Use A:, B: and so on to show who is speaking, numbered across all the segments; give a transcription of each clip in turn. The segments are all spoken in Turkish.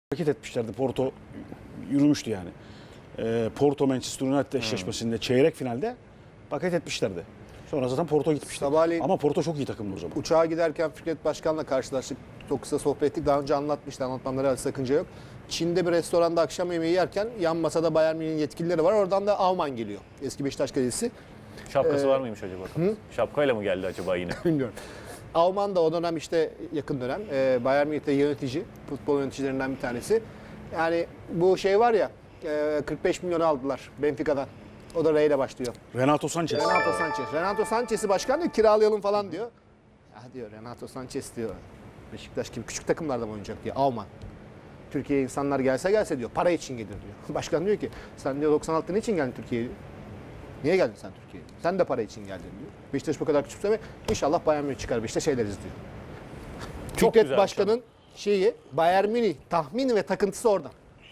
A: hareket etmişlerdi. Porto yürümüştü yani. Porto Manchester United eşleşmesinde çeyrek finalde paket etmişlerdi. Sonra zaten Porto gitmişti.
B: Sabahleyin
A: Ama Porto çok iyi takımdı o zaman.
B: uçağa giderken Fikret Başkan'la karşılaştık. Çok kısa sohbet ettik. Daha önce anlatmıştı. Anlatmamda herhalde sakınca yok. Çin'de bir restoranda akşam yemeği yerken yan masada Bayern Münih'in yetkilileri var. Oradan da Alman geliyor. Eski Beşiktaş kalecisi.
C: Şapkası var mıymış acaba? Şapkayla mı geldi acaba yine?
B: Bilmiyorum. Alman da o dönem işte yakın dönem. Bayern Münih'te yönetici. Futbol yöneticilerinden bir tanesi. Yani bu şey var ya 45 milyon aldılar Benfica'dan. O da R ile başlıyor.
A: Renato Sanchez.
B: Renato Sanchez'i başkan diyor kiralayalım falan diyor. Ya diyor Renato Sanchez diyor. Beşiktaş gibi küçük takımlarda mı oynayacak diyor. Alman. Türkiye'ye insanlar gelse diyor. Para için gelir diyor. Başkan diyor ki sen diyor 96'da niçin geldin Türkiye'ye? Niye geldin sen Türkiye'ye? Sen de para için geldin diyor. Beşiktaş bu kadar küçümseme inşallah Bayern Münih çıkar Beşiktaş ederiz diyor.
C: Çok
B: Fikret
C: güzel
B: Başkan'ın şeyi Bayern Münih tahmini ve takıntısı oradan.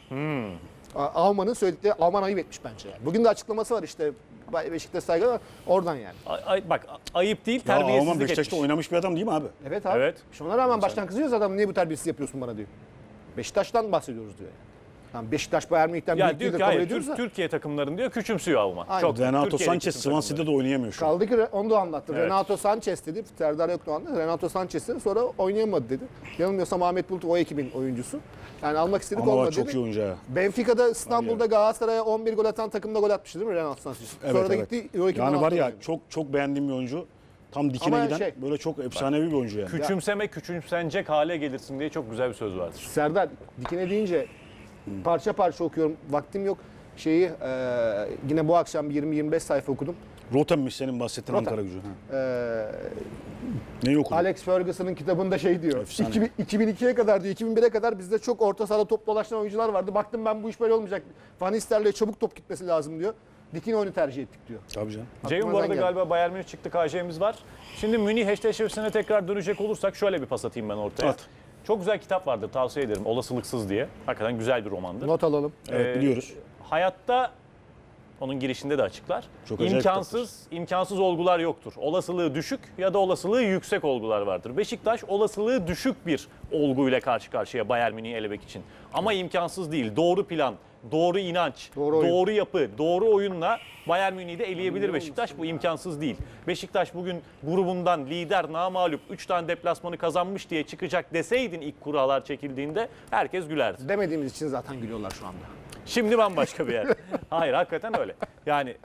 B: Alman'ın söyledikleri Alman ayıp etmiş bence. Yani. Bugün de açıklaması var işte Beşiktaş saygı var oradan yani.
C: Bak ayıp değil,
A: Ya Alman
C: terbiyesizlik
A: Beşiktaş'ta
C: etmiş.
A: oynamış bir adam değil mi abi?
B: Evet abi.
C: Evet.
B: Şuna rağmen baştan kızıyoruz adam niye bu terbiyesiz yapıyorsun bana diyor. Beşiktaş'tan bahsediyoruz diyor. Tamam Beşiktaş Bayern Münih'ten
C: Ya
B: büyük
C: diyor
B: değildir
C: ki
B: kabul
C: hayır,
B: ediyoruz da.
C: Türkiye takımlarını diyor küçümsüyor Alman.
B: Aynen.
C: Çok
A: Renato
C: Türkiye'deki
A: Sanchez
C: bütün
A: Swansea'de de
C: takımları.
A: oynayamıyor şu an.
B: Kaldı ki onu da anlattı.
C: Evet.
B: Renato Sanchez dedi. Serdar yoktu o anda. Renato Sanchez dedi. Sonra oynayamadı dedi. Yanılmıyorsam Ahmet Bulut o ekibin oyuncusu. Yani almak istedik
A: Ama
B: olmadı
A: bak çok
B: dedi.
A: iyi oyuncu ha.
B: Benfica'da İstanbul'da Galatasaray'a 11 gol atan takımda gol atmıştı değil mi Renato Sanchez? Sonra da gitti Euro 2016'da
A: Yani var ya
B: oynadı.
A: çok beğendiğim bir oyuncu. Tam dikine
B: Ama
A: giden böyle çok efsanevi bir oyuncu yani.
C: Küçümsenecek hale gelirsin diye çok güzel bir söz vardır.
B: Serdar dikine deyince parça parça okuyorum. Vaktim yok. Şeyi yine bu akşam 20-25 sayfa okudum.
A: Rotem'miş senin bahsettiğin
B: Rotem.
A: Ankara gücü. Ha.
B: E,
A: Neyi okudun?
B: Alex Ferguson'ın kitabında şey diyor.
A: Efsane.
B: 2002'ye kadar diyor, 2001'e kadar bizde çok orta sahada top dolaşan oyuncular vardı. Baktım ben bu iş böyle olmayacak. Van Nistelrooy'a çabuk top gitmesi lazım diyor. Dikine oyunu tercih ettik diyor.
A: Tabii canım.
C: Ceyhun bu
B: Aklımdan
C: arada
B: geldi.
C: galiba Bayern Münih çıktı, KJ'miz var. Şimdi Münih eşleşmesine tekrar dönecek olursak şöyle bir pas atayım ben ortaya.
A: At.
C: Çok güzel kitap vardır, tavsiye ederim. Olasılıksız diye. Hakikaten güzel bir romandır.
B: Not alalım.
A: Evet biliyoruz.
C: Hayatta onun girişinde de açıklar.
A: Çok acayip
C: İmkansız olgular yoktur. Olasılığı düşük ya da olasılığı yüksek olgular vardır. Beşiktaş olasılığı düşük bir olguyla karşı karşıya Bayern Münih'i elemek için. Ama imkansız değil. Doğru plan, doğru inanç,
B: Doğru oyun.
C: doğru yapı, doğru oyunla Bayern Münih'i de eleyebilir Beşiktaş. Bu imkansız değil. Beşiktaş bugün grubundan lider, namağlup 3 tane deplasmanı kazanmış diye çıkacak deseydin ilk kurallar çekildiğinde herkes gülerdi.
B: Demediğimiz için zaten gülüyorlar şu anda.
C: Şimdi bambaşka bir yer. Hayır hakikaten öyle. Yani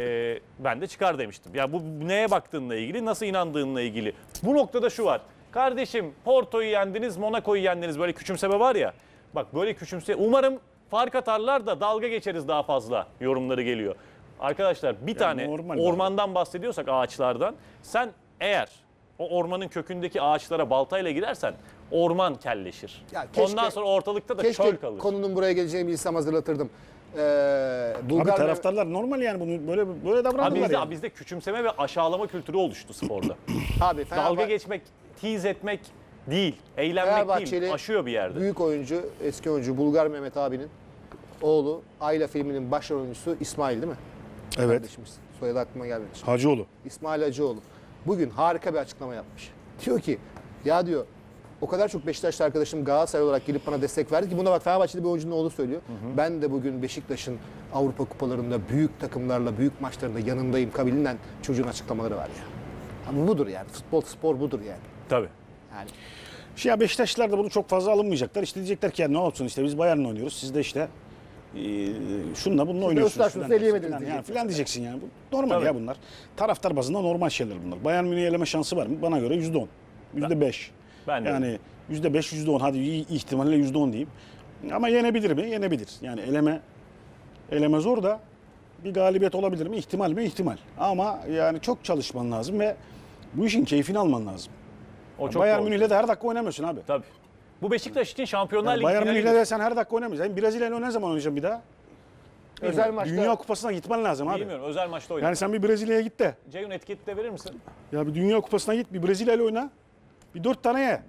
C: ben de çıkar demiştim. Ya bu neye baktığınla ilgili, nasıl inandığınla ilgili. Bu noktada şu var. Kardeşim Porto'yu yendiniz, Monaco'yu yendiniz. Böyle küçümseme var ya. Bak böyle umarım fark atarlar da dalga geçeriz daha fazla yorumları geliyor. Arkadaşlar bir tane
A: normal
C: ormandan bahsediyorsak ağaçlardan. Sen eğer o ormanın kökündeki ağaçlara baltayla girersen orman kelleşir.
B: Ya keşke-
C: Ondan sonra ortalıkta da
B: Keşke
C: çöl kalır.
B: konunun buraya geleceğini bilsem hazırlatırdım.
A: Abi
B: Bulgar
A: taraftarlar normal yani bunu böyle
C: Abi
A: davranırlar
C: bizde,
A: yani.
C: bizde küçümseme ve aşağılama kültürü oluştu sporda.
B: abi
C: Dalga geçmek, tiz etmek değil, eğlenmek
B: Fenerbahçeli
C: değil, aşıyor bir yerde.
B: büyük oyuncu, eski oyuncu Bulgar Mehmet abinin oğlu Ayla filminin başrol oyuncusu İsmail değil mi?
A: Evet.
B: Kardeşimiz. Soyadı aklıma gelmedi. şimdi.
A: Hacıoğlu.
B: İsmail Hacıoğlu. Bugün harika bir açıklama yapmış. Diyor ki ya diyor o kadar çok Beşiktaşlı arkadaşım Galatasaray olarak gelip bana destek verdi ki buna bak Fenerbahçeli bir oyuncunun oğlu söylüyor. Ben de bugün Beşiktaş'ın Avrupa kupalarında büyük takımlarla büyük maçlarında yanındayım kabilinden çocuğun açıklamaları var ya. Ama budur yani futbol spor budur yani.
C: Tabii.
B: Yani
A: Ya Beşiktaşlılar da bunu çok fazla alınmayacaklar. İşte diyecekler ki ya ne olsun işte biz Bayern'le oynuyoruz. Siz de işte şununla bununla oynuyorsunuz.
B: Öztaş'ınızı eleyemediniz
A: Yani
B: diyecekler.
A: filan diyeceksin yani. Bu normal
C: Tabii.
A: ya bunlar. Taraftar bazında normal şeyler bunlar. Bayern Münih'i eleme şansı var mı? Bana göre %10. %5.
C: Ben de
A: Yani %5, %10 hadi iyi ihtimalle %10 diyeyim. Ama yenebilir mi? Yenebilir. Yani eleme zor da bir galibiyet olabilir mi? İhtimal mi? İhtimal. Ama yani çok çalışman lazım ve bu işin keyfini alman lazım.
C: O çok
A: Bayern
C: doğru.
A: Münih'le de her dakika oynamıyorsun abi.
C: Tabii. Bu Beşiktaş için Şampiyonlar
A: Yani
C: Ligi
A: Bayern
C: finali.
A: Münih'le de sen her dakika oynamıyorsun. Yani Brezilya'yla ne zaman oynayacaksın bir daha?
B: özel maçta
A: Dünya Kupası'na gitmen lazım abi.
C: Bilmiyorum, özel maçta oynadı.
A: Yani sen bir Brezilya'ya git de.
C: Ceyhun etiketi de verir misin?
A: Ya bir Dünya Kupası'na git, bir Brezilya'yla oyna. Bir 4 tane ye.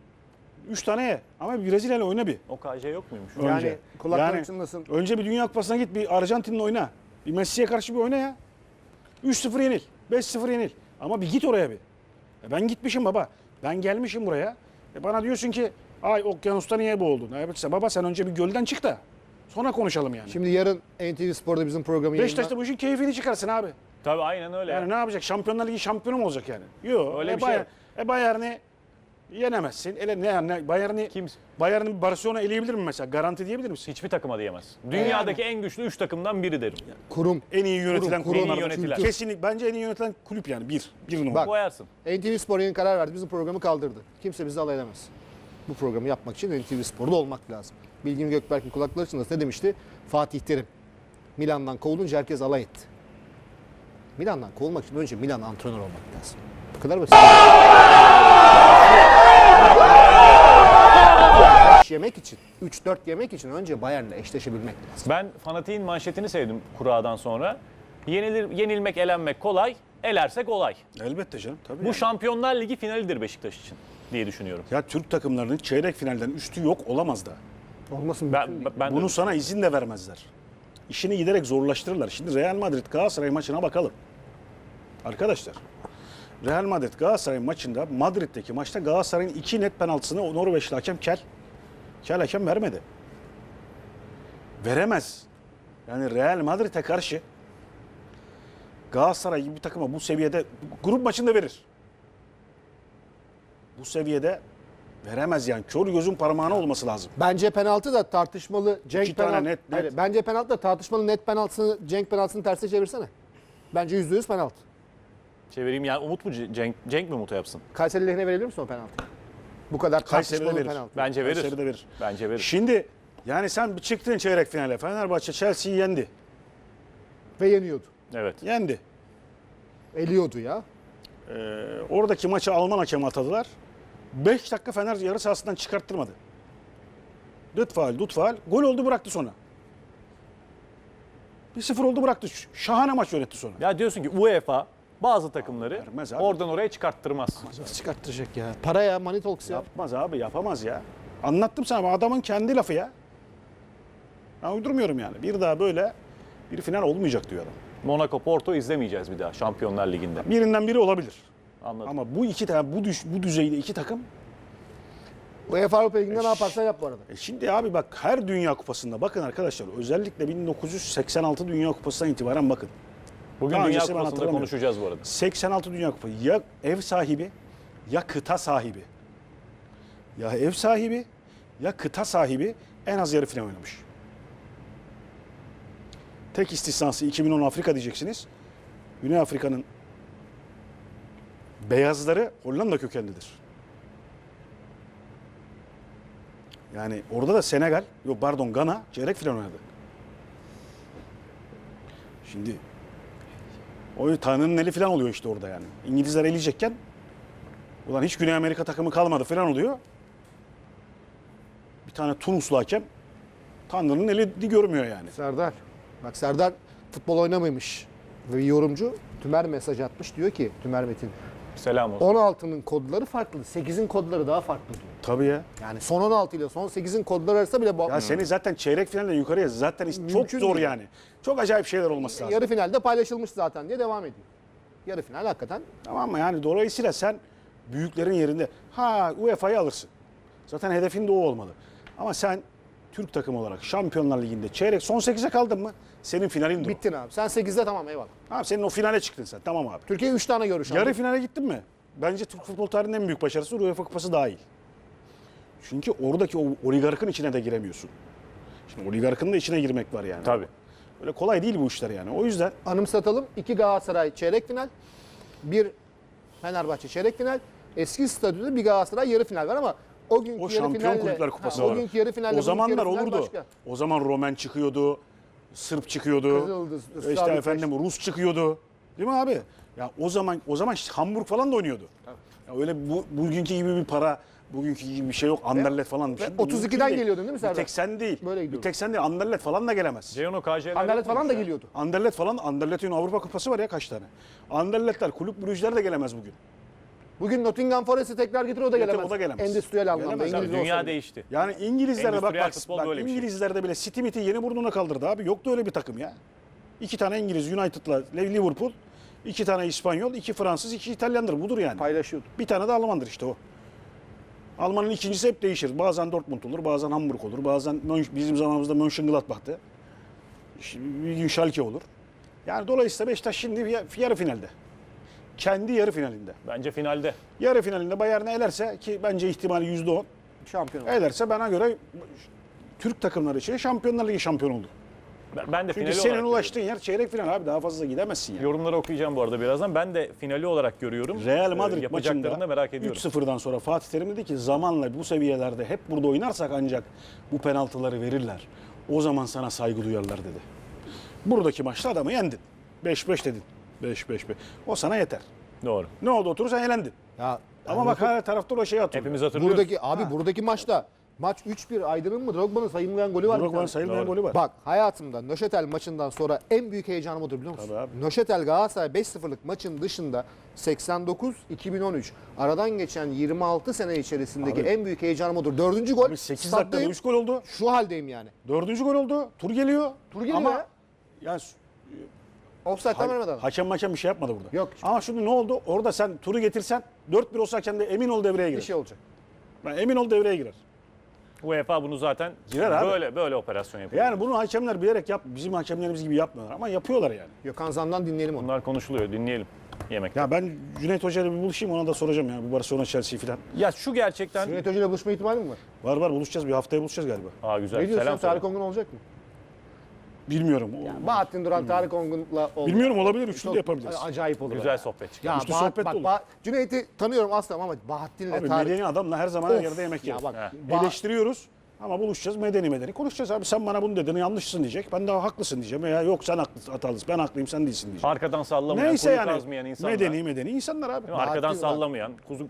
A: 3 tane ye. Ama bir Brezilya'yla oyna bir.
C: O KJ yok muymuş?
B: Yani kulakları çınlasın.
A: Önce bir Dünya Kupası'na git, bir Arjantin'le oyna. Bir Messi'ye karşı bir oyna ya. 3-0 yenil, 5-0 yenil. Ama bir git oraya bir. Ben gitmişim baba. Ben gelmişim buraya. Bana diyorsun ki Ay okyanusta niye boğuldun? Evet, baba sen önce bir gölden çık da sonra konuşalım yani.
B: Şimdi yarın NTV Spor'da bizim programı
A: Beşiktaş da bu işin keyfini çıkarsın abi.
C: Tabii aynen öyle.
A: Yani ne yapacak? Şampiyonlar Ligi şampiyonu mu olacak yani? Yok.
C: Öyle bir şey yok.
A: Bayern'i yenemezsin. Bayern'i Barcelona eleyebilir mi mesela? Garanti diyebilir misin?
C: Hiçbir takıma diyemez. Dünyadaki en güçlü 3 takımdan biri derim.
B: kurum.
A: En iyi yönetilen
B: Kurum,
A: kurumlar.
C: en iyi yönetilen.
A: Kesinlikle. Bence en iyi yönetilen kulüp yani. Bir numara.
B: Bak.
C: Koyarsın.
B: NTV Spor yeni karar verdi. Bizim programı kaldırdı. Kimse bizi alay edemez. Bu programı yapmak için NTV Spor'da olmak lazım. Bilgin Gökberk'in kulakları çınlasın. Ne demişti? Fatih Terim. Milan'dan kovulunca herkes alay etti. Milan'dan kovulmak için önce Milan antrenör olmak lazım. Bu kadar basit. Yemek için, 3-4 yemek için önce Bayern'le eşleşebilmek lazım.
C: Ben fanatiğin manşetini sevdim kuradan sonra. Yenilmek, elenmek kolay, elersek olay.
A: Elbette canım. Tabii
C: Bu
A: yani.
C: Şampiyonlar Ligi finalidir Beşiktaş için diye düşünüyorum.
A: Ya Türk takımlarının çeyrek finalden üstü yok olamaz da.
B: Olmasın mümkün değil.
C: Ben
A: Bunu
C: de,
A: sana izin de vermezler. İşini giderek zorlaştırırlar. Şimdi Real Madrid Galatasaray maçına bakalım. Arkadaşlar. Real Madrid Galatasaray maçında Madrid'deki maçta Galatasaray'ın 2 net penaltısını Norveçli hakem Kel hakem vermedi. Veremez. Yani Real Madrid'e karşı Galatasaray gibi bir takıma bu seviyede grup maçında verir. Bu seviyede veremez yani. Kör gözün parmağına olması lazım.
B: Bence penaltı da tartışmalı. Cenk
A: İki tane
B: penaltı.
A: net.
B: Hayır, bence penaltı da tartışmalı net penaltısını Cenk penaltısını tersine çevirsene. Bence %100 penaltı.
C: çevireyim yani Umut mu Cenk mi Umut'a yapsın?
B: Kayseri lehine verebilir misin o penaltı? Bu kadar
A: Kayseri'de
B: tartışmalı
A: verir.
B: penaltı.
C: Bence verir.
A: Kayseri'de verir.
C: Bence verir.
A: Şimdi yani sen bir çıktın çeyrek finale. Fenerbahçe Chelsea'yi yendi.
B: Ve yeniyordu.
C: Evet.
A: Yendi.
B: Eliyordu ya.
A: Oradaki maçı Alman hakemi atadılar. 5 dakika Fener yarı sahasından çıkarttırmadı. Dut faal. Gol oldu bıraktı sonra. 1-0 oldu bıraktı. Şahane maç yönetti sonra.
C: Ya diyorsun ki UEFA bazı takımları
A: Vermez abi.
C: oradan oraya çıkarttırmaz.
B: Nasıl çıkarttıracak ya? Para ya, money talks ya.
A: Yapmaz abi yapamaz ya. Anlattım sana adamın kendi lafı ya. Ben uydurmuyorum yani. Bir daha böyle bir final olmayacak diyor adam.
C: Monaco, Porto izlemeyeceğiz bir daha Şampiyonlar Ligi'nde.
A: Birinden biri olabilir.
C: Anladım.
A: Ama bu iki tane bu düzeyde iki takım.
B: UEFA Avrupa Ligi'nde ne yaparsan yap bu arada.
A: Şimdi abi bak her Dünya Kupası'nda bakın arkadaşlar özellikle 1986 Dünya Kupası'ndan itibaren bakın.
C: Bugün
A: Daha
C: Dünya
A: öncesi ben
C: Kupası'nda
A: hatırlamıyorum.
C: konuşacağız bu arada.
A: 86 Dünya Kupası ya ev sahibi ya kıta sahibi. Ya ev sahibi ya kıta sahibi en az yarı final oynamış. Tek istisnası 2010 Afrika diyeceksiniz. Güney Afrika'nın beyazları Hollanda kökenlidir. Yani orada da Senegal, yok pardon Gana çeyrek final oynadı. Şimdi o Tanrı'nın eli falan oluyor işte orada yani. İngilizler eleyecekken ulan hiç Güney Amerika takımı kalmadı falan oluyor. Bir tane Tunuslu hakem Tanrı'nın eli görmüyor yani.
B: Serdar. Bak Serdar futbol oynamamış. Ve bir yorumcu Tümer mesaj atmış. Diyor ki Tümer Metin.
C: Selam olsun.
B: 16'nın kodları farklı. 8'in kodları daha farklı diyor.
A: Tabii ya.
B: Yani son 16 ile son 8'in kodları arasında bile
A: Ya seni zaten çeyrek finalden yukarıya zaten çok
B: Mümkün
A: zor
B: değil.
A: yani. Çok acayip şeyler olması lazım.
B: yarı finalde paylaşılmış zaten diye devam ediyor. Yarı final hakikaten.
A: Tamam mı? Yani dolayısıyla sen büyüklerin yerinde UEFA'yı alırsın. Zaten hedefin de o olmalı. Ama sen Türk takımı olarak Şampiyonlar Ligi'nde çeyrek son 8'e kaldın mı? Senin finalin de o.
B: Bittin abi. Sen 8'de tamam eyvallah.
A: Abi senin o finale çıktın sen. Tamam abi.
B: Türkiye 3 tane görüş aldı.
A: Yarı finale gittin mi? Bence Türk futbol tarihinin en büyük başarısı UEFA Kupası dahil. Çünkü oradaki o oligarkın içine de giremiyorsun. Şimdi oligarkın da içine girmek var yani.
C: Tabii.
A: Öyle kolay değil bu işler yani. O yüzden
B: Anımsatalım. 2 Galatasaray çeyrek final. 1 Fenerbahçe çeyrek final. Eski statüde bir Galatasaray yarı final var ama o günkü
A: o
B: yarı
A: Şampiyon
B: finalle
A: Kulüpler Kupası
B: o
A: var.
B: günkü yarı finalle
A: O zamanlar
B: bugünkü yarı final
A: olurdu.
B: başka.
A: O zaman Romen çıkıyordu. Sırp çıkıyordu.
B: Kızıldız,
A: İşte
B: Islavi
A: efendim Rus çıkıyordu. Değil mi abi? Ya o zaman işte Hamburg falan da oynuyordu. Ya öyle bugünkü gibi bir para, bugünkü gibi bir şey yok. Anderlet falan. Şimdi
B: 32'den
A: mümkün değil.
B: geliyordun değil mi Serdar?
A: Bir tek sen değil.
B: Böyle
A: bir
B: gidiyordu.
A: tek sen değil. Anderlet falan da gelemez.
C: Ceyhun KJ'ler
B: Anderlet falan da geliyordu.
A: Anderlet'in Avrupa Kupası var ya kaç tane. Anderletler, kulüp Brugge'ler de gelemez bugün.
B: Bugün Nottingham Forest'i tekrar getir o da gelemez.
A: o da gelemez.
B: Endüstriyel anlamda.
A: Gelemez abi,
B: İngiliz
C: Dünya
B: olsa bile.
C: değişti.
A: Yani İngilizlerde
C: Endüstriyel futbol
A: bak
C: böyle bir şey.
A: İngilizlerde bile City miti yeni burnuna kaldırdı abi. Yoktu öyle bir takım ya. 2 tane İngiliz United'la Liverpool, 2 tane İspanyol, 2 Fransız, 2 İtalyandır. Budur yani.
B: Paylaşıyordu.
A: Bir tane de Almandır işte o. Almanın ikincisi hep değişir. Bazen Dortmund olur, bazen Hamburg olur, bazen bizim zamanımızda Mönchengladbach'tı. Bir gün Schalke olur. Yani dolayısıyla Beşiktaş şimdi yarı finalde. Kendi yarı finalinde.
C: Bence finalde.
A: Yarı finalinde Bayern'i elerse ki bence ihtimali %10.
B: Şampiyon oldu.
A: Elerse bana göre Türk takımları için Şampiyonlar Ligi şampiyonu olur.
C: Ben de
A: Çünkü
C: finali
A: senin
C: olarak
A: ulaştığın yer çeyrek final abi, daha fazla gidemezsin yani.
C: yorumları okuyacağım bu arada birazdan. Ben de finali olarak görüyorum.
A: Real Madrid
C: Yapacaklarını
A: maçında
C: merak ediyorum.
A: 3-0'dan sonra Fatih Terim dedi ki zamanla bu seviyelerde hep burada oynarsak ancak bu penaltıları verirler. O zaman sana saygı duyarlar dedi. Buradaki maçta adamı yendin. 5-5 dedin. 5-5-5. O sana yeter.
C: Doğru.
A: Ne oldu, oturursan elendin.
B: Ya,
A: Ama bak hala taraftar o şeyi atıyor.
C: Hepimiz hatırlıyoruz.
B: buradaki maçta maç 3-1 Aydın'ın mı Drogba'nın sayılmayan golü var. bir
A: Drogba'nın
B: tane.
A: sayılmayan
C: Doğru.
A: golü var.
B: Bak hayatımda Nöşetel maçından sonra en büyük heyecanım odur biliyor musun?
A: Tabii abi.
B: Nöşetel Galatasaray 5-0'lık maçın dışında 89-2013 aradan geçen 26 sene içerisindeki
A: Abi.
B: en büyük heyecanım odur. 4. gol.
A: Abi 8 dakikada
B: staddayım,
A: 3 gol oldu.
B: Şu haldeyim yani.
A: 4. gol oldu. Tur geliyor.
B: Tur geliyor
A: Ama
B: ya.
A: yani
B: Offside'den vermeden.
A: hakem bir şey yapmadı burada.
B: Yok.
A: Ama şimdi ne oldu? Orada sen turu getirsen 4-1 olsa hakem de emin ol devreye
B: Bir
A: girer.
B: şey olacak.
A: Ben emin ol devreye girer.
C: UEFA bunu zaten
A: Girer abi.
C: böyle operasyon yapıyor.
A: Yani bunu hakemler bilerek bizim hakemlerimiz gibi yapmıyorlar ama yapıyorlar yani.
B: Gökhan Zan'dan dinleyelim onu.
C: Bunlar konuşuluyor. Dinleyelim. Yemekte.
A: Ya ben Cüneyt Hoca'yla bir buluşayım, ona da soracağım yani bu Barcelona Chelsea falan.
C: Ya şu gerçekten...
B: Cüneyt Hoca'yla buluşma ihtimali mi var?
A: Var buluşacağız, bir haftaya buluşacağız galiba.
C: Aa güzel.
B: Ne diyorsun?
C: Selam
B: Tarık
C: söyle.
B: Ongun olacak mı?
A: Bilmiyorum.
B: Bahattin Duran Tarık Ongun'la oldu.
A: Bilmiyorum, olabilir. Üçlü
B: Çok
A: de yapabiliriz.
B: Acayip olur.
C: Güzel sohbet çıkar.
B: Ya
A: Üçlü sohbet de olur.
B: Cüneyt'i tanıyorum asla ama Bahattin'le
A: Abi
B: Tarık.
A: medeni adamla her zaman her
B: Of.
A: yerde yemek
B: Ya
A: yeriz.
B: bak,
C: He.
A: Eleştiriyoruz ama buluşacağız, medeni konuşacağız abi. Sen bana bunu dedin, yanlışsın diyecek. Ben daha haklısın diyeceğim. Veya yok sen hatalısın, ben haklıyım, sen değilsin diyeceğim.
C: Arkadan sallamayan,
A: Neyse
C: kuyu
A: yani
C: kazmayan insanlar.
A: medeni insanlar abi.
C: Değil mi? Arkadan
B: Bahattin var.
C: sallamayan,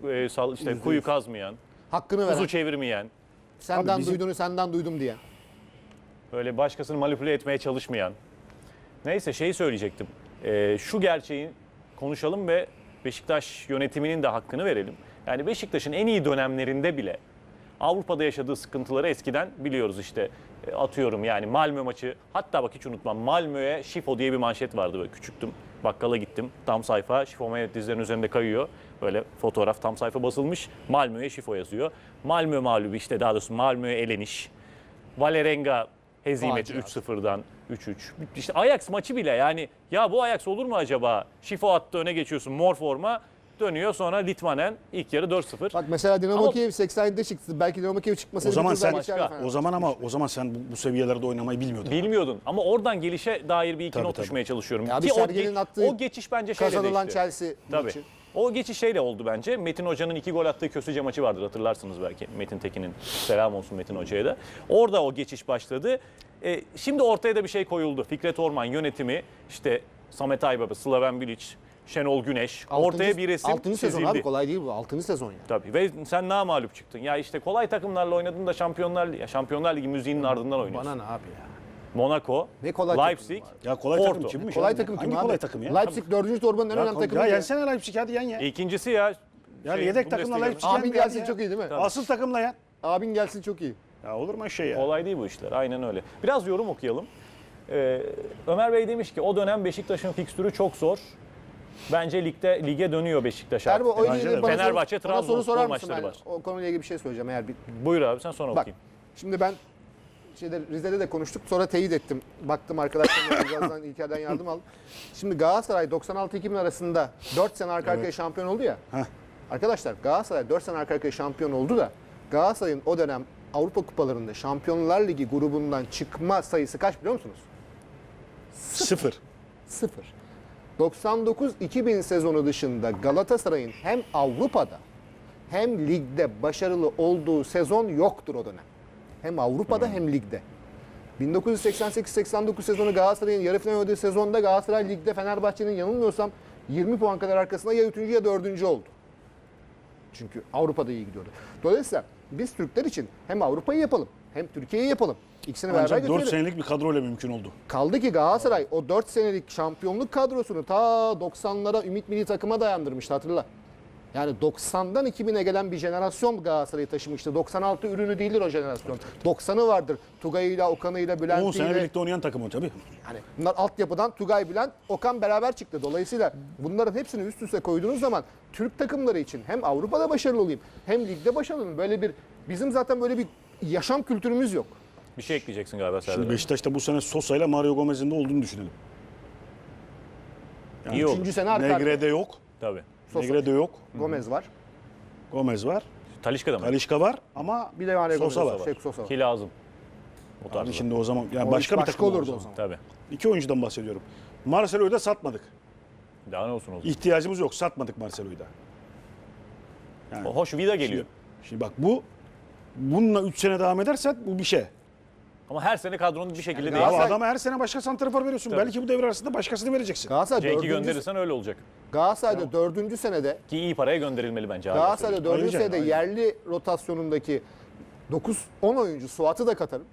C: kuyu kazmayan,
B: Hakkını veren.
C: kuzu çevirmeyen,
B: Senden
A: Abi bizim-
B: duyduğunu senden duydum diye.
C: böyle başkasını manipüle etmeye çalışmayan. Neyse şeyi söyleyecektim. Şu gerçeği konuşalım ve Beşiktaş yönetiminin de hakkını verelim. Yani Beşiktaş'ın en iyi dönemlerinde bile Avrupa'da yaşadığı sıkıntıları eskiden biliyoruz işte. Atıyorum yani Malmö maçı, hatta bak hiç unutmam, Malmö'ye Şifo diye bir manşet vardı, böyle küçüktüm. Bakkala gittim, tam sayfa Şifo Mehmet dizlerin üzerinde kayıyor. Böyle fotoğraf, tam sayfa basılmış, Malmö'ye Şifo yazıyor. Malmö mağlubu, işte daha doğrusu Malmö'ye eleniş. Valerenga hezimeti
B: Facia.
C: 3-0'dan 3-3. İşte Ajax maçı bile, yani ya bu Ajax olur mu acaba? Şifo attı, öne geçiyorsun, mor forma. Dönüyor sonra Litmanen ilk yarı 4-0.
B: Bak mesela Dinamo
C: Ama-
B: Kiev 87'de çıktı. Belki Dinamo Kiev çıkmasaydı
A: O zaman
B: bir tur daha
A: sen
B: geçerdi Fenerbahçe.
A: o zaman sen bu seviyelerde oynamayı bilmiyordun.
C: Bilmiyordun ama oradan gelişe dair bir iki
A: Tabii,
C: not
A: tabii.
C: düşmeye çalışıyorum.
B: Ya bir
C: Ki o,
B: Sergen'in attığı
C: o geçiş bence şeyle
B: Kazanılan
C: değişti.
B: Chelsea
C: Tabii.
B: maçı.
C: O geçiş şeyle oldu bence. Metin Hoca'nın 2 gol attığı Köstüce maçı vardır, hatırlarsınız belki. Metin Tekin'in, selam olsun Metin Hoca'ya da. Orada o geçiş başladı. Şimdi ortaya da bir şey koyuldu. Fikret Orman yönetimi, işte Samet Aybaba, Slaven Bilic, Şenol Güneş. Ortaya bir resim
B: 6. sezon
C: çizildi.
B: abi, kolay değil bu. 6. sezon ya.
C: Tabii ve sen namağlup çıktın. Ya işte kolay takımlarla oynadın da Şampiyonlar Ligi müziğinin ardından oynuyorsun.
B: Bana ne abi ya.
C: Monaco,
B: Ne kolay takım
C: Leipzig,
B: var.
A: Ya kolay
C: Porto.
A: takım kimmiş?
B: Kolay
A: abi?
B: takım kim
A: Hangi
B: abi?
A: kolay takım ya?
B: Leipzig 4. torbanın en önemli takımı.
A: Ya
B: ya.
A: yensene Leipzig, hadi yen ya.
C: İkincisi ya.
A: Yani
C: şey,
A: yedek takımla
C: Bundesliga'nın.
A: Leipzig
B: Abin
A: yendi
B: gelsin
A: ya.
B: çok iyi değil mi?
A: Asıl takımla yen.
B: Abin gelsin çok iyi.
A: Ya olur mu şey ya?
C: Kolay değil bu işler. Aynen öyle. Biraz yorum okuyalım. Ömer Bey demiş ki o dönem Beşiktaş'ın fikstürü çok zor. Bence lige dönüyor Beşiktaş artık.
B: Erbo o ile
A: Bence
B: ilgili
A: de.
B: bana
C: Fenerbahçe,
B: soru, bana soru
C: Trabzonspor
B: sorar mısın?
C: maçları
B: Ben
C: var.
B: o konuyla ilgili bir şey söyleyeceğim eğer bir.
C: Buyur abi sen sonra
B: Bak
C: okuyayım.
B: şimdi ben Rize'de de konuştuk, sonra teyit ettim. Baktım arkadaşlarımla birazdan İlker'den yardım aldım. Şimdi Galatasaray 96-2000 arasında 4 sene arka arkaya şampiyon oldu ya.
A: Heh.
B: Arkadaşlar Galatasaray 4 sene arka arkaya şampiyon oldu da Galatasaray'ın o dönem Avrupa Kupalarında Şampiyonlar Ligi grubundan çıkma sayısı kaç biliyor musunuz?
A: 0.
B: 0. 99-2000 sezonu dışında Galatasaray'ın hem Avrupa'da hem ligde başarılı olduğu sezon yoktur o dönem. Hem Avrupa'da hem ligde. 1988-89 sezonu Galatasaray'ın yarı final oynadığı sezonda Galatasaray ligde Fenerbahçe'nin yanılmıyorsam 20 puan kadar arkasında ya 3. ya 4. oldu. Çünkü Avrupa'da iyi gidiyordu. Dolayısıyla biz Türkler için hem Avrupa'yı yapalım hem Türkiye'yi yapalım. İkisini beraber
A: Ancak 4
B: götürelim.
A: senelik bir kadroyla mümkün oldu.
B: Kaldı ki Galatasaray o 4 senelik şampiyonluk kadrosunu ta 90'lara Ümit Milli Takım'a dayandırmıştı hatırla. Yani 90'dan 2000'e gelen bir jenerasyon Galatasaray'ı taşımıştı. 96 ürünü değildir o jenerasyon. 90'ı vardır. Tugay'ıyla, Okan'ıyla,
A: 10 sene
B: Bülent'iyle.
A: birlikte oynayan takım o tabii.
B: Yani bunlar altyapıdan Tugay, Bülent, Okan beraber çıktı. Dolayısıyla bunların hepsini üst üste koyduğunuz zaman Türk takımları için hem Avrupa'da başarılı olayım hem ligde başarılı olayım. Böyle bir bizim zaten böyle bir yaşam kültürümüz yok.
C: Bir şey ekleyeceksin galiba Serdar.
A: Şimdi Beşiktaş'ta bu sene Sosa ile Mario Gomez'in de olduğunu düşünelim. Yani
C: İyi olur.
B: Üçüncü sene arka arkaya.
A: Negre'de yok.
C: Tabii.
B: Sosa.
A: Negre'de yok.
B: Gomez var.
A: Gomez var.
C: Talişka'da mı?
A: Talişka var ama
B: Bir de Mario
A: Sosa
B: Gomez
A: var.
B: var. Sosa var.
C: Ki lazım. O
A: Abi
C: tarzda.
A: şimdi o zaman yani
B: O
A: başka
B: iş
A: bir takım
B: olurdu o zaman.
C: Tabii.
A: İki oyuncudan bahsediyorum. Marcelo'yu da satmadık.
C: Daha ne olsun o zaman.
A: İhtiyacımız yok. Satmadık Marcelo'yu da. Yani
C: Hoş Vida geliyor.
A: şimdi bak bununla 3 sene devam edersen bu bir şey.
C: Ama her sene kadronun bir şekilde
B: Yani
C: değişiyor.
A: Ama
B: Galatasaray-
A: adama her sene başka santrafor veriyorsun.
C: Tabii.
A: Belki bu devre arasında başkasını vereceksin.
B: Galatasaray
C: Cenk'i
B: 4.
C: gönderirsen öyle olacak.
B: Galatasaray'da 4. senede
C: Ki iyi paraya gönderilmeli bence. hala
B: Galatasaray'da 4.
A: Ayrıca,
B: senede
A: aynen.
B: yerli rotasyonundaki 9-10 oyuncu Suat'ı da katarım.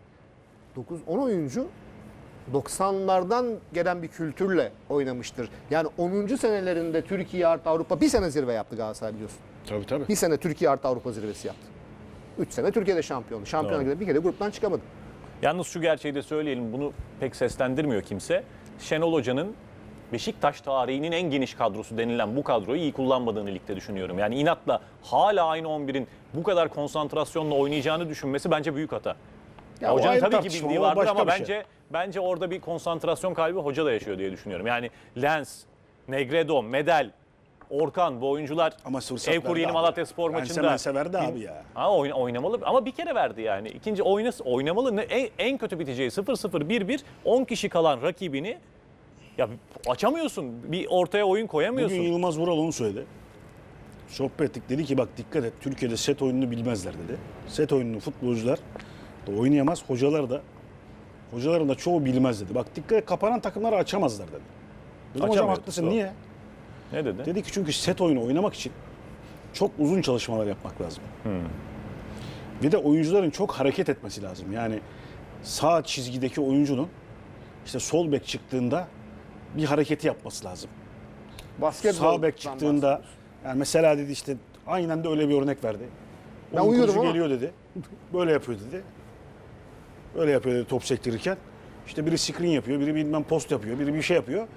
B: 9-10 oyuncu 90'lardan gelen bir kültürle oynamıştır. Yani 10. senelerinde Türkiye artı Avrupa bir sene zirve yaptı Galatasaray biliyorsun.
A: Tabii.
B: Bir sene Türkiye artı Avrupa zirvesi yaptı. 3 sene Türkiye'de şampiyonlu. Şampiyona
C: Doğru.
B: kadar bir kere gruptan çıkamadı.
C: Yalnız şu gerçeği de söyleyelim, bunu pek seslendirmiyor kimse. Şenol Hoca'nın Beşiktaş tarihinin en geniş kadrosu denilen bu kadroyu iyi kullanmadığını ligde düşünüyorum. Yani inatla hala aynı 11'in bu kadar konsantrasyonla oynayacağını düşünmesi bence büyük hata.
A: Ya o
C: Hocanın
A: ayrı
C: tabii ki
A: tartışma,
C: bildiği
A: o
C: vardır
A: başka
C: ama
A: bir şey.
C: bence orada bir konsantrasyon kaybı hoca da yaşıyor diye düşünüyorum. Yani Lens, Negredo, Medel, Orkan bu oyuncular
A: Ama fırsat
C: Evkur
A: verdi
C: Yeni
A: abi.
C: Malatyaspor maçında
A: Pense verdi abi ya.
C: Ha, oynamalı ama bir kere verdi yani. İkinci oynamalı. En kötü biteceği 0-0 1-1 10 kişi kalan rakibini ya açamıyorsun. Bir ortaya oyun koyamıyorsun.
A: Bugün Yılmaz Vural onu söyledi. Sohbet ettik. Dedi ki bak dikkat et Türkiye'de set oyununu bilmezler dedi. Set oyununu futbolcular da oynayamaz. Hocaların da çoğu bilmez dedi. Bak dikkat et kapanan takımları açamazlar dedi. Dedim hocam
C: Açamıyor,
A: haklısın
C: doğru.
A: niye?
C: Ne dedi?
A: Dedi ki çünkü set oyunu oynamak için çok uzun çalışmalar yapmak lazım. Bir de oyuncuların çok hareket etmesi lazım. Yani sağ çizgideki oyuncunun işte sol bek çıktığında bir hareketi yapması lazım.
B: Basketbol.
A: Sağ bek çıktığında yani mesela dedi işte aynen de öyle bir örnek verdi.
B: Ben
A: Onun
B: uyuyorum
A: kurucu
B: ama.
A: geliyor dedi. Böyle yapıyor dedi. Böyle yapıyor dedi top sektirirken. İşte biri screen yapıyor, biri bilmem post yapıyor, biri bir şey yapıyor.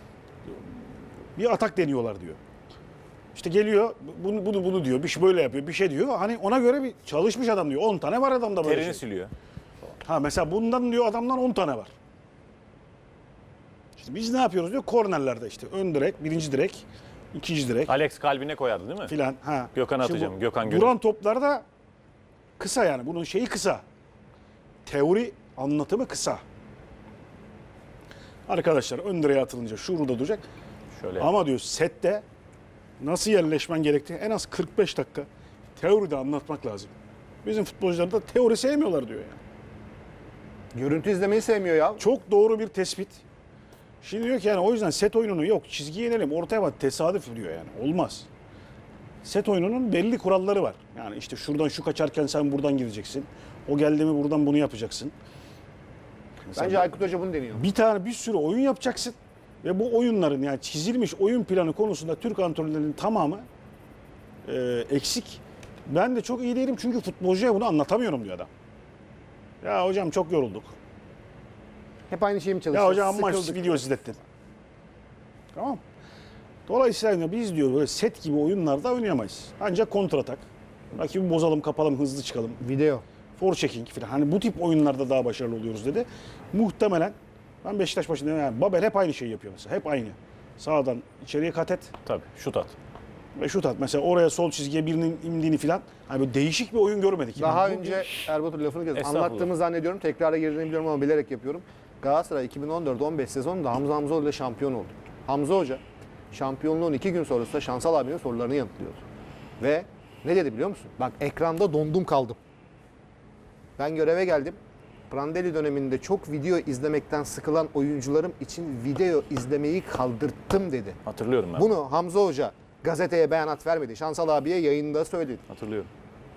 A: Bir atak deniyorlar diyor. İşte geliyor bunu diyor. Bir şey böyle yapıyor, bir şey diyor. Hani ona göre bir çalışmış adam diyor. 10 tane var adamda böyle
C: Terini
A: şey.
C: siliyor.
A: Ha mesela bundan diyor adamdan 10 tane var. İşte biz ne yapıyoruz diyor kornerlerde işte ön direk, birinci direk, ikinci direk
C: Alex kalbine koyardı değil mi?
A: filan. Ha.
C: Gökhan'ı
A: Şimdi
C: atacağım,
A: bu
C: Gökhan Gönül.
A: Duran toplarda kısa yani bunun şeyi kısa. Teori anlatımı kısa. Arkadaşlar ön direğe atılınca şurada duracak.
C: Şöyle.
A: Ama diyor sette nasıl yerleşmen gerektiği en az 45 dakika teoride anlatmak lazım. Bizim futbolcular da teori sevmiyorlar diyor yani.
B: Görüntü izlemeyi sevmiyor ya.
A: Çok doğru bir tespit. Şimdi diyor ki yani o yüzden set oyununu yok çizgiye inelim ortaya bak tesadüf diyor yani olmaz. Set oyununun belli kuralları var. Yani işte şuradan şu kaçarken sen buradan gideceksin. O geldi mi buradan bunu yapacaksın. Mesela
B: Bence Aykut Hoca bunu deniyor.
A: bir sürü oyun yapacaksın. Ve bu oyunların yani çizilmiş oyun planı konusunda Türk antrenörlerinin tamamı eksik. Ben de çok iyi değilim çünkü futbolcuya bunu anlatamıyorum diyor adam. Ya hocam çok yorulduk.
B: Hep aynı şeyi mi
A: Ya
B: çalışıyoruz?
A: hocam maç
B: Sıkıldık.
A: video izlettin. Tamam. Dolayısıyla biz diyor böyle set gibi oyunlarda oynayamayız. Ancak kontratak. Rakibi bozalım, kapalım, hızlı çıkalım.
B: Video.
A: Forechecking falan. Hani bu tip oyunlarda daha başarılı oluyoruz dedi. Muhtemelen ben Beşiktaş başında yani Babel hep aynı şeyi yapıyor mesela. Hep aynı. Sağdan içeriye kat et
C: Tabii şut at.
A: ve şut at. Mesela oraya sol çizgiye birinin indiğini falan. Hani böyle değişik bir oyun görmedik.
B: Daha
A: Yani bu
B: önce Erbatur lafını kestim.
C: Estağfurullah.
B: Anlattığımı zannediyorum. Tekrara girdiğini biliyorum ama bilerek yapıyorum. Galatasaray 2014-15 sezonunda Hamza Hamzoğlu ile şampiyon oldu. Hamza Hoca şampiyonluğun 2 gün sonrasında Şansal abinin sorularını yanıtlıyordu. Ve ne dedi biliyor musun? Bak ekranda dondum kaldım. Ben göreve geldim. Prandelli döneminde çok video izlemekten sıkılan oyuncularım için video izlemeyi kaldırttım dedi.
C: Hatırlıyorum ben.
B: Bunu Hamza Hoca gazeteye beyanat vermedi. Şansal abiye yayında söyledi.
C: Hatırlıyorum.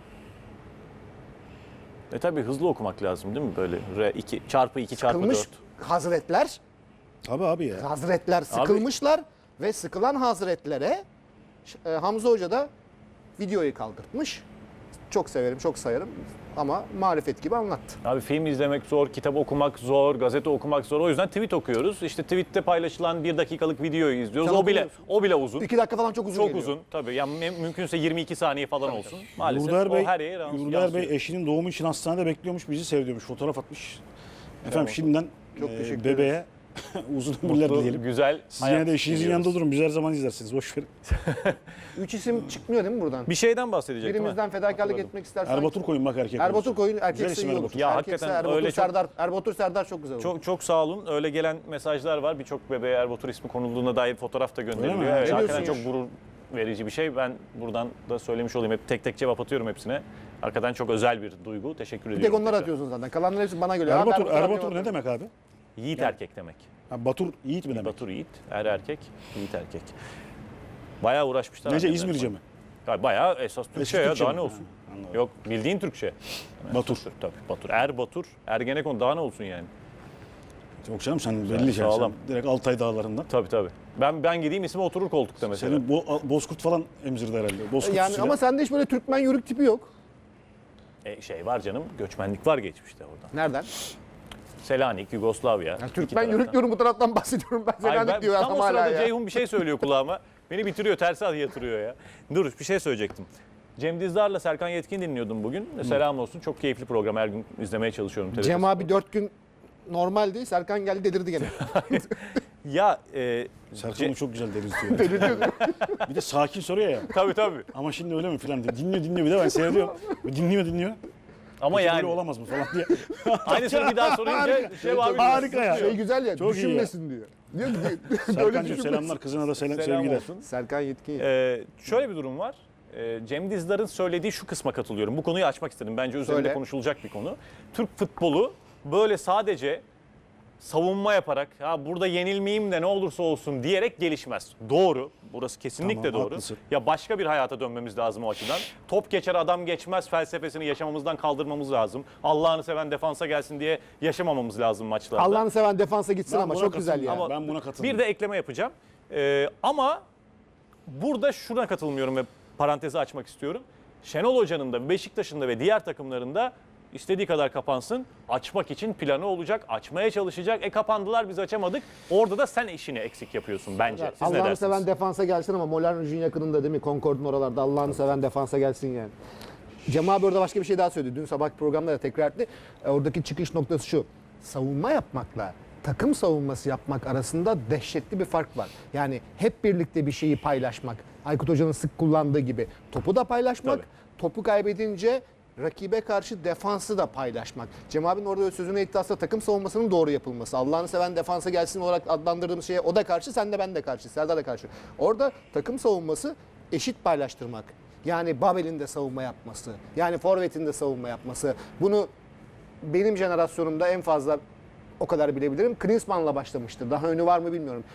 C: Tabii hızlı okumak lazım değil mi? Böyle R2 çarpı 2 çarpı
B: Sıkılmış
C: 4.
B: hazretler,
A: Tabii abi ya.
B: hazretler sıkılmışlar ve sıkılan hazretlere Hamza Hoca da videoyu kaldırtmış. Çok severim, çok sayarım ama marifet gibi anlattı.
C: Abi film izlemek zor, kitap okumak zor, gazete okumak zor. O yüzden tweet okuyoruz. İşte tweette paylaşılan 1 dakikalık videoyu izliyoruz.
B: Sen
C: O bile
B: okumuyorsun.
C: o bile uzun.
B: 2 dakika falan çok uzun
C: Çok
B: geliyor.
C: uzun tabii. Yani mümkünse 22 saniye falan olsun. Maalesef
A: Yurdaer Bey,
C: o her yere
A: Yurdaer
C: yansıyor.
A: Bey eşinin doğumu için hastanede bekliyormuş, bizi seviyormuş, fotoğraf atmış. Efendim şimdiden
B: Çok teşekkür
A: bebeğe uzun ömürler
C: Mutlu,
A: dileyelim.
C: güzel
A: Siz yine
C: hayat
A: de eşinizin
C: diliyoruz.
A: yanında durun, biz her zaman izlersiniz, boş verin.
B: 3 isim çıkmıyor değil mi buradan?
C: Bir şeyden bahsedecektim.
B: Birimizden
C: ha.
B: fedakarlık
C: Hatırladım.
B: etmek istersen.
A: Erbatur koyun bak erkek
B: Erbatur
A: olursa.
B: koyun
A: Güzel
B: erkekse
A: isim
B: iyi olur.
A: Erbatur.
C: Ya
B: Erkekse
C: hakikaten
B: Erbatur
C: öyle çok-
B: Serdar. Erbatur Serdar çok güzel olur.
C: Çok sağ olun. Öyle gelen mesajlar var. Birçok bebeğe Erbatur ismi konulduğuna dair fotoğraf da
A: Öyle
C: gönderiliyor.
A: mi?
C: Evet,
B: Ne
C: hakikaten
B: diyorsun
C: çok gurur verici bir şey. Ben buradan da söylemiş olayım. Hep tek tek cevap atıyorum hepsine. Hakikaten çok özel bir duygu. Teşekkür
B: Bir
C: ediyorum.
B: tek onları
C: tekrar.
B: atıyorsun zaten. Kalanların hepsi bana geliyor. Abi
A: Erbatur,
B: Erbatur
A: Erbatur ne
B: atıyor.
A: demek abi?
C: Yiğit erkek demek.
A: Ha, Batur Yiğit mi demek?
C: Batur Yiğit, erkek, Yiğit erkek. Bayağı uğraşmışlar.
A: Nece
C: annemler
A: İzmirce
C: falan.
A: mi?
C: Ya bayağı esas Türkçe ya,
A: Türkçe
C: daha
A: mi?
C: ne olsun?
A: Ha, anladım.
C: Yok, bildiğin Türkçe.
A: Batur.
C: Tabii Batur. Batur, Ergenekon daha ne olsun yani?
A: Yok canım sen belli şey.
C: sağlam.
A: Sen direkt Altay dağlarından.
C: Tabii. Ben gideyim ismi oturur koltukta mesela.
A: Senin Bozkurt falan emzirdi herhalde. Bozkurt
B: Yani
A: usulü.
B: ama sende hiç böyle Türkmen yörük tipi yok.
C: Şey var canım, göçmenlik var geçmişte oradan.
B: Nereden?
C: Selanik, Yugoslavya.
B: Yani
C: iki
B: Türkmen
C: taraftan.
B: yörük diyorum bu taraftan bahsediyorum. Ben
C: Ay,
B: Selanik diyor
C: tam
B: adam
C: o
B: hala
C: sırada
B: ya.
C: Ceyhun bir şey söylüyor kulağıma. Beni bitiriyor, tersi yatırıyor ya. Dur, bir şey söyleyecektim. Cem Dizdar'la Serkan Yetkin dinliyordum bugün. Selam olsun. Çok keyifli program. Her gün izlemeye çalışıyorum. TRT
B: Cem abi
C: Spor'da.
B: 4 gün normaldi. Serkan geldi delirdi gene.
C: Ya
A: Serkan'ı çok güzel delirtiyor. Bir de sakin soruyor ya.
C: tabii.
A: Ama şimdi öyle mi filan diyor. Dinliyor bir de ben seyrediyorum. Dinliyor.
C: Ama
A: Peki
C: yani
A: böyle olamaz mı falan diye.
C: aynısını bir daha sorunca abi
A: Harika ya.
B: Şey güzel ya,
A: Çok iyi
B: düşünmesin diyor. Diyor ki böyle
A: Serkan'cığım
B: düşünmesin.
A: selamlar. Kızına da
C: selam
A: sevgiler.
C: olsun.
B: Serkan Yetkin.
C: Şöyle bir durum var. Cem Dizdar'ın söylediği şu kısma katılıyorum. Bu konuyu açmak istedim. Bence üzerinde
B: Söyle.
C: konuşulacak bir konu. Türk futbolu böyle sadece savunma yaparak ha burada yenilmeyeyim de ne olursa olsun diyerek gelişmez. Doğru. Burası kesinlikle
A: Tamam,
C: doğru.
A: haklısın.
C: Ya başka bir hayata dönmemiz lazım o açıdan. Top geçer adam geçmez felsefesini yaşamamızdan kaldırmamız lazım. Allah'ını seven defansa gelsin diye yaşamamamız lazım maçlarda.
B: Allah'ını seven defansa gitsin
A: Ben
B: ama
A: buna
B: çok güzel ya.
A: katılmıyorum. Ben buna katılıyorum.
C: Bir de ekleme yapacağım. Ama burada şuna katılmıyorum ve parantezi açmak istiyorum. Şenol Hoca'nın da Beşiktaş'ın da ve diğer takımlarında istediği kadar kapansın. Açmak için planı olacak. Açmaya çalışacak. Kapandılar biz açamadık. Orada da sen işini eksik yapıyorsun bence. Siz ne
B: Allah'ını
C: dersiniz?
B: seven defansa gelsin ama Moulin Rouge'un yakınında değil mi? Concord'un oralarda Allah'ını seven defansa gelsin yani. Cem abi orada başka bir şey daha söyledi. Dün sabahki programda da tekrar etti. Oradaki çıkış noktası şu. Savunma yapmakla takım savunması yapmak arasında dehşetli bir fark var. Yani hep birlikte bir şeyi paylaşmak. Aykut Hoca'nın sık kullandığı gibi. Topu da paylaşmak.
C: Tabii.
B: Topu kaybedince rakibe karşı defansı da paylaşmak. Cem abinin orada sözüne etti aslında takım savunmasının doğru yapılması. Allah'ını seven defansa gelsin olarak adlandırdığımız şeye o da karşı, sen de ben de karşı, Serdar da karşı. Orada takım savunması eşit paylaştırmak. Yani Babel'in de savunma yapması, yani Forvet'in de savunma yapması. Bunu benim jenerasyonumda en fazla o kadar bilebilirim. Klinsmann'la başlamıştır. Daha önü var mı bilmiyorum.